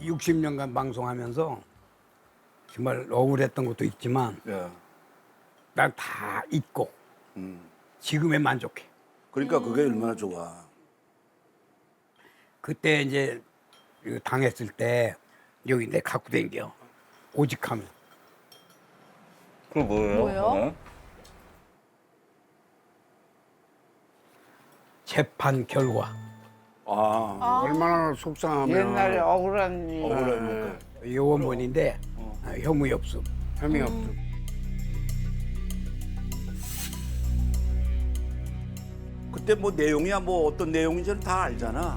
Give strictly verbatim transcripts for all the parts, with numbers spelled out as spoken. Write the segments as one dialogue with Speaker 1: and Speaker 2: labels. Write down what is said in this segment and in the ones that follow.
Speaker 1: 육십 년간 방송하면서 정말 억울했던 것도 있지만
Speaker 2: 예.
Speaker 1: 난 다 잊고
Speaker 2: 음.
Speaker 1: 지금에 만족해.
Speaker 2: 그러니까 그게 얼마나 좋아.
Speaker 1: 그때 이제 이거 당했을 때 여기 내 갖고 댕겨. 오직하면.
Speaker 3: 그거 뭐예요?
Speaker 4: 뭐예요?
Speaker 3: 그거는?
Speaker 1: 재판 결과.
Speaker 2: 아,
Speaker 5: 얼마나 속상하면
Speaker 6: 옛날에 억울한 일.
Speaker 2: 억울하니까.
Speaker 1: 요원본인데 아, 혐의 없음.
Speaker 5: 혐의 없죠.
Speaker 2: 그때 뭐 내용이야 뭐 어떤 내용인지는 다 알잖아.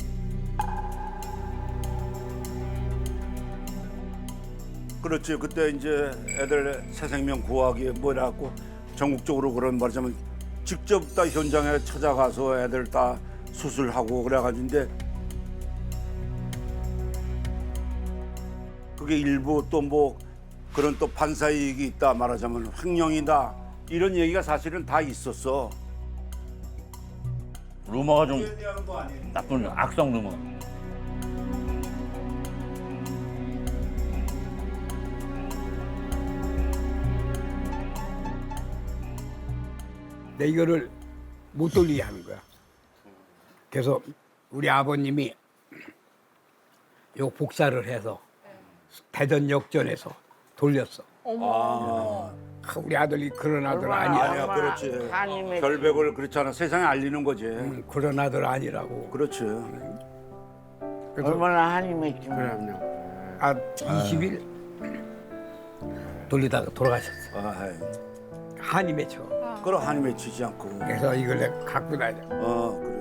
Speaker 2: 그렇지. 그때 이제 애들 새 생명 구하기 뭐라고 전국적으로 그런 말하자면 직접 다 현장에 찾아가서 애들 다 수술하고 그래가지고인데 그게 일부 또 뭐 그런 또 판사 이익이 있다 말하자면 횡령이다 이런 얘기가 사실은 다 있었어.
Speaker 3: 루머가 좀 나쁜 악성 루머.
Speaker 1: 내 이거를 못 돌리게 하는 거야. 그래서 우리 아버님이 요 복사를 해서 대전 역전에서 돌렸어.
Speaker 2: 아,
Speaker 1: 아, 우리 아들이 그런 아들
Speaker 6: 얼마나
Speaker 1: 아니야.
Speaker 2: 아니야, 그렇지.
Speaker 6: 한이 맺
Speaker 2: 결백을 그렇잖아. 세상에 알리는 거지.
Speaker 1: 음, 그런 아들 아니라고.
Speaker 2: 그렇지.
Speaker 1: 그래서
Speaker 6: 얼마나 한이 맺지.
Speaker 5: 그럼요.
Speaker 1: 아, 이십 일 돌리다가 돌아가셨어.
Speaker 2: 아,
Speaker 1: 한이 맺혀.
Speaker 2: 그럼 한이 맺히지 않고.
Speaker 1: 그래서 이걸 내가 갖고 다녀.
Speaker 2: 어, 그래.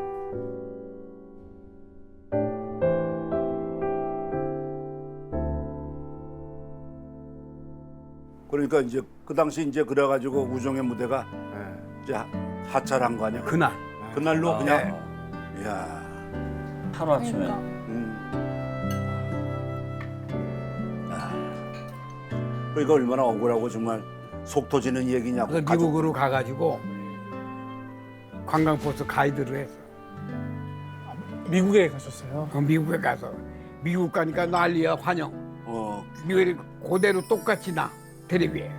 Speaker 2: 그러니까 이제 그 당시 이제 그래가지고 우정의 무대가
Speaker 5: 예.
Speaker 2: 이제 하차한 거 아니야?
Speaker 1: 그날
Speaker 2: 그날로
Speaker 3: 아,
Speaker 2: 그냥. 이야.
Speaker 3: 하루 아침에.
Speaker 2: 음. 아. 그러니까 얼마나 억울하고 정말 속 터지는 얘기냐고.
Speaker 1: 그래서
Speaker 2: 가족-
Speaker 1: 미국으로 가가지고 관광버스 가이드를 했어.
Speaker 7: 미국에 가셨어요?
Speaker 1: 어, 미국에 가서 미국 가니까 난리야 환영.
Speaker 2: 어,
Speaker 1: 미국이 그대로 똑같이 나 텔레비에.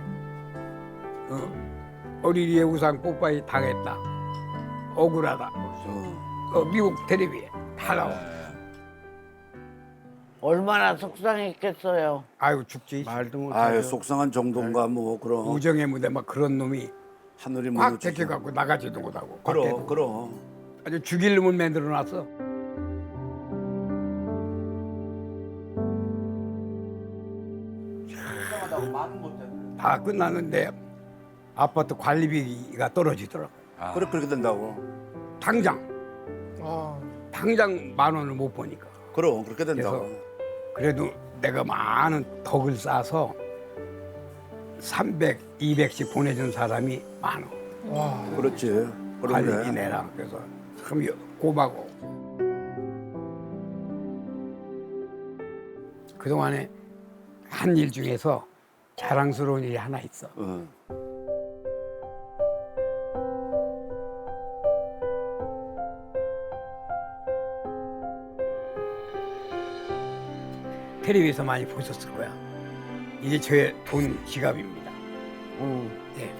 Speaker 1: 어, 어린이의 우상 뽀빠이 당했다. 억울하다.
Speaker 2: 어.
Speaker 1: 어, 미국 텔레비에 다 나와.
Speaker 6: 얼마나 속상했겠어요.
Speaker 1: 아유 죽지.
Speaker 5: 말도 못.
Speaker 2: 아유 속상한 정도인가 뭐 그런
Speaker 1: 우정의 무대 막 그런 놈이
Speaker 2: 하늘이
Speaker 1: 꽉
Speaker 2: 무너지죠.
Speaker 1: 제껴갖고 나가지도 못하고.
Speaker 2: 그럼
Speaker 1: 밖에도.
Speaker 2: 그럼.
Speaker 1: 아주 죽일 놈을 만들어놨어. 다 끝났는데 아파트 관리비가 떨어지더라고.
Speaker 2: 그래 그렇게 된다고.
Speaker 1: 당장
Speaker 7: 아,
Speaker 1: 당장 만 원을 못 보니까.
Speaker 2: 그럼 그렇게 된다고.
Speaker 1: 그래도 내가 많은 덕을 쌓아서 삼백, 이백씩 보내준 사람이 많어.
Speaker 7: 와.
Speaker 2: 그렇지.
Speaker 1: 관리비
Speaker 2: 그런데
Speaker 1: 내라. 그래서 참 고마워. 그동안에 한 일 중에서 자랑스러운 일이 하나 있어.
Speaker 2: 어.
Speaker 1: 텔레비에서 많이 보셨을 거야. 이게 제 돈 지갑입니다.
Speaker 6: 응.
Speaker 1: 네.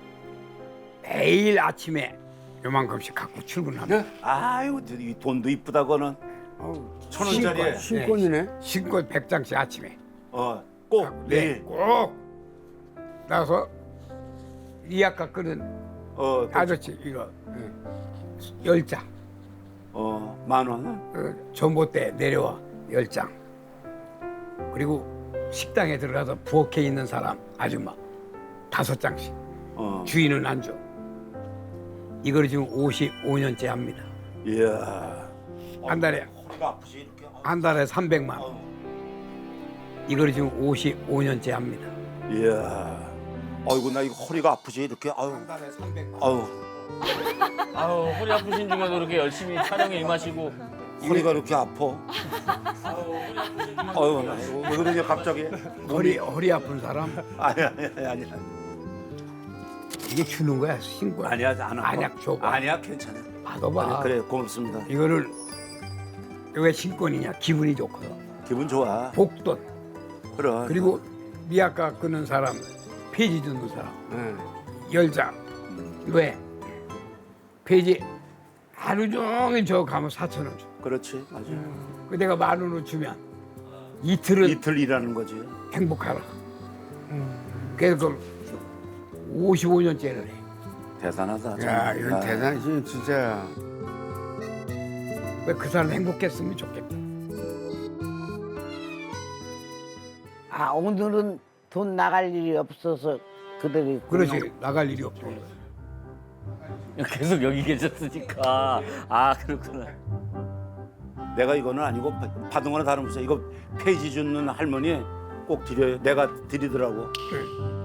Speaker 1: 매일 아침에 요만큼씩 갖고 출근합니다.
Speaker 2: 아유 이 돈도 이쁘다고는 천 원짜리에
Speaker 5: 신권이네.
Speaker 1: 신고 백 장씩 아침에.
Speaker 2: 어꼭
Speaker 1: 네,
Speaker 2: 내일
Speaker 1: 꼭 나서 리아카 끄는
Speaker 2: 어,
Speaker 1: 아저씨 이거 열 장.
Speaker 2: 어, 만 원.
Speaker 1: 어, 전봇대 내려와 열 장. 그리고 식당에 들어가서 부엌에 있는 사람 아줌마 다섯 장씩.
Speaker 2: 어.
Speaker 1: 주인은 안 줘. 이걸 지금 오십오 년째 합니다.
Speaker 2: 이야.
Speaker 1: 한 달에
Speaker 2: 허리가 아프지 이렇게.
Speaker 1: 한 달에 삼백만 원. 이걸 지금 오십오 년째 합니다.
Speaker 2: 이야. 아이고 나 이거 허리가 아프지 이렇게. 아유.
Speaker 1: 달에 삼백만
Speaker 2: 아유.
Speaker 3: 아유, 허리 아프신 중에도 이렇게 열심히 촬영에 임하시고.
Speaker 2: 허리가 이렇게 아파. 아유, 나 이거 왜 그러냐 갑자기?
Speaker 1: 허리 허리 아픈 사람
Speaker 2: 아니 아니 아니 아니.
Speaker 1: 이게 주는 거야 신고.
Speaker 2: 아니야 안 아파.
Speaker 1: 아니야 줘봐.
Speaker 2: 아니야 괜찮아.
Speaker 1: 받아봐.
Speaker 2: 아니, 그래 고맙습니다.
Speaker 1: 이거를 왜 신권이냐 기분이 좋거든.
Speaker 2: 기분 좋아.
Speaker 1: 복돈
Speaker 2: 그래.
Speaker 1: 그리고 미약가 끄는 사람, 폐지 듣는 사람
Speaker 5: 예.
Speaker 1: 열장. 왜? 폐지 하루 종일 저 가면 사천 원 줘.
Speaker 2: 그렇지, 맞아.
Speaker 1: 그 내가 만 원을 주면 이틀은
Speaker 2: 이틀 일하는 거지.
Speaker 1: 행복하라. 그래서 그걸 오십오 년째를 해.
Speaker 2: 대단하다.
Speaker 5: 야,
Speaker 2: 정말.
Speaker 5: 이건
Speaker 2: 아,
Speaker 5: 대단하지, 진짜.
Speaker 1: 왜 그 사람 행복했으면 좋겠다.
Speaker 6: 아 오늘은 돈 나갈 일이 없어서 그들이
Speaker 1: 그렇지 나갈 일이 없어.
Speaker 3: 계속 여기 계셨으니까. 아, 그렇구나.
Speaker 2: 내가 이거는 아니고 받은 거나 다름없어. 이거 폐지 주는 할머니 꼭 드려요. 내가 드리더라고.
Speaker 1: 그래.